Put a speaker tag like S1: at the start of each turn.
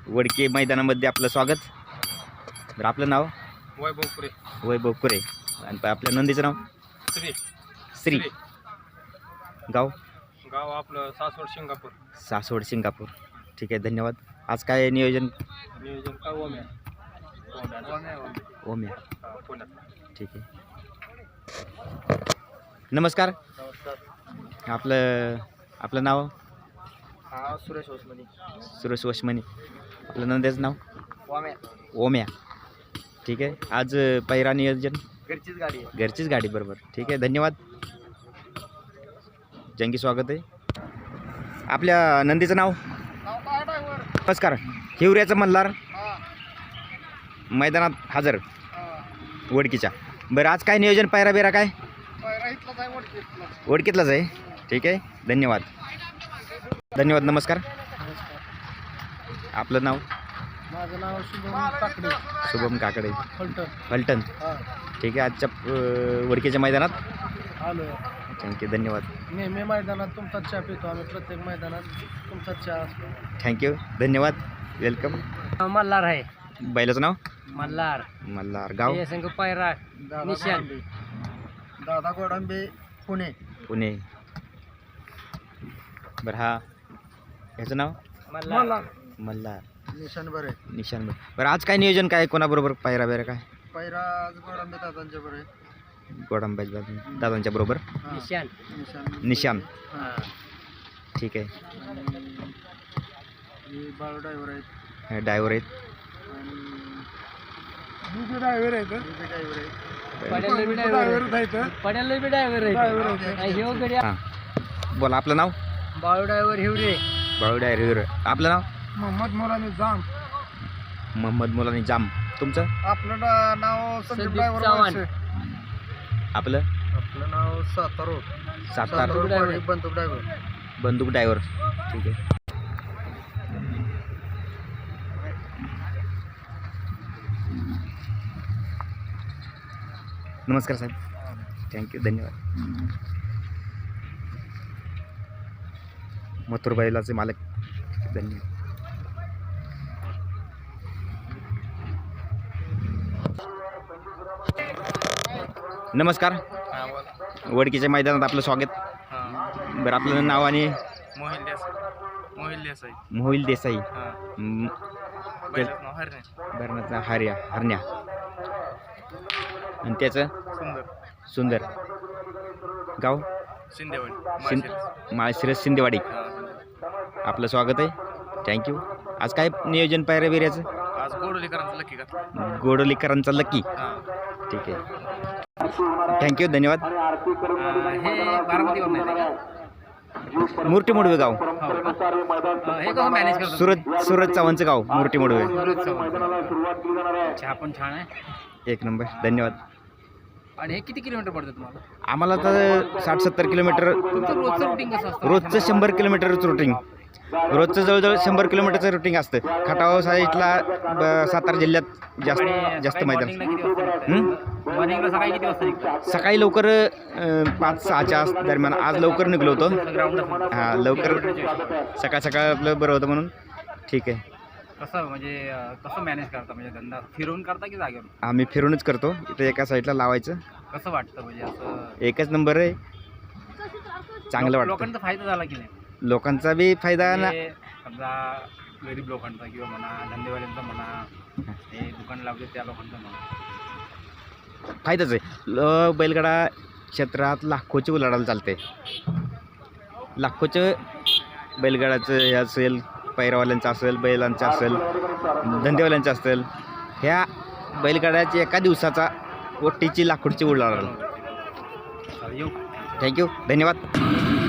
S1: वडके मैदानामध्ये आपलं स्वागत. तर आपलं नाव वैभव कुरे आणि आपल्या नंदीचं नाव श्री. गाव
S2: आपलं
S1: सासवड सिंगापूर. ठीक आहे, धन्यवाद. आज काय नियोजन?
S2: काय
S1: ओम्या. ठीक आहे. नमस्कार. आपलं नाव?
S2: सुरेश ओसमनी.
S1: सुरेश वशमनी. आपलं नंदीचं नाव? ओम्या. ठीक आहे. आज पहिरा नियोजन घरचीच गाडी बरोबर. ठीक आहे, धन्यवाद. जंगी स्वागत आहे. आपल्या नंदीचं नाव? नमस्कार. हिवऱ्याचं मल्हार मैदानात हजर वडकीच्या. बरं, आज काय नियोजन? पायरा बिरा काय? वडकीतलाच आहे. ठीक आहे, धन्यवाद. नमस्कार. आपलं नाव?
S2: माझं नाव
S1: शुभम काकडे. फलटण. ठीक आहे. आजच्या वडकीच्या मैदानात
S2: आलो.
S1: थँक्यू, धन्यवाद.
S2: नेहमी मैदानात तुमचा चहा पितो आम्ही. प्रत्येक मैदानात तुमचा चहा असतो.
S1: थँक्यू, धन्यवाद. वेलकम.
S2: मल्हार आहे.
S1: बैलाचं नाव?
S2: मल्हार.
S1: गाव?
S2: संघ पायरा निशान. दादा गोडंबे पुणे.
S1: बरं, ह्याचं नाव?
S2: मल्हार.
S1: निशान. बरं, आज काय नियोजन काय? कोणाबरोबर पायरा बिरा काय?
S2: पायरा गोडंबे दादांच्या बरोबर.
S1: गोडंबे दादांच्या बरोबर. निशान. ठीक आहे.
S2: बाळू ड्रायव्हर आहेत.
S1: ड्रायव्हर आहेत. हां, बोला. आपलं नाव?
S2: बाळू ड्रायव्हर हिवरे.
S1: बाळू ड्रायव्हर. आपलं नाव?
S2: मोहम्मद
S1: मोलानी जाम. तुमचं?
S2: आपलं नाव संदीप ड्रायव्हर.
S1: आपलं
S2: नाव सातारा
S1: बंदूक ड्रायव्हर. ठीक आहे. नमस्कार साहेब. थँक्यू, धन्यवाद. मथुर बैलाचे मालक. धन्यवाद. नमस्कार. वडकीच्या मैदानात आपलं स्वागत. बरं, आपलं नाव आणि? मोहिल देसाई. बरं, हरण्या. आणि त्याचं? सुंदर. गाव? माळशिरस सिंदेवाडी. आपलं स्वागत आहे. थँक्यू. आज काय नियोजन पायऱ्या बिऱ्याचं?
S2: आज
S1: गोडोलीकरांचा लकी. ठीक आहे, थँक्यू, धन्यवाद. मूर्ती मोडवे गाव. सूरज चव्हाणचं गाव मूर्ती मोडवे.
S2: पण छान आहे.
S1: एक नंबर, धन्यवाद.
S2: आणि हे किती किलोमीटर पडतं तुम्हाला?
S1: आम्हाला तर 60-70 किलोमीटर.
S2: रोजचं रुटीन कसं असतं?
S1: रोजचं 100 किलोमीटरचं रुटीन. रोजचं जवळजवळ 100 किलोमीटरचं रुटीन असतं. खटाव साईडला सातारा जिल्ह्यात जास्त मैदान.
S2: सकाळी किती वाजता निघतो?
S1: सकाळी लवकर 5-6च्या दरम्यान. आज लवकर निघलो होतो. हां, लवकर. सकाळ आपलं बरं होतं म्हणून. ठीक आहे.
S2: कसं मॅनेज करता? म्हणजे धंदा फिरून करता की जागेवर?
S1: आम्ही फिरूनच करतो. इथं एका साईडला लावायचं.
S2: कसं वाटतं? म्हणजे असं
S1: एकच नंबर आहे. चांगलं वाटतं.
S2: लोकांचा फायदा झाला की नाही?
S1: लोकांचा बी फायदा ना.
S2: समजा गरीब लोकांचा किंवा म्हणा, धंदेवाल्यांचा म्हणा, हे दुकान लावले त्या लोकांचा म्हणा,
S1: फायदाच आहे. बैलगाडा क्षेत्रात लाखोची उलाढाल चालते. लाखोचं बैलगाड्याचं हे असेल, पैरावाल्यांचं असेल, बैलांचं असेल, धंदेवाल्यांचं असेल. ह्या बैलगाड्याची एका दिवसाचा ओटीची लाखोची उलाढाल. थँक्यू, धन्यवाद.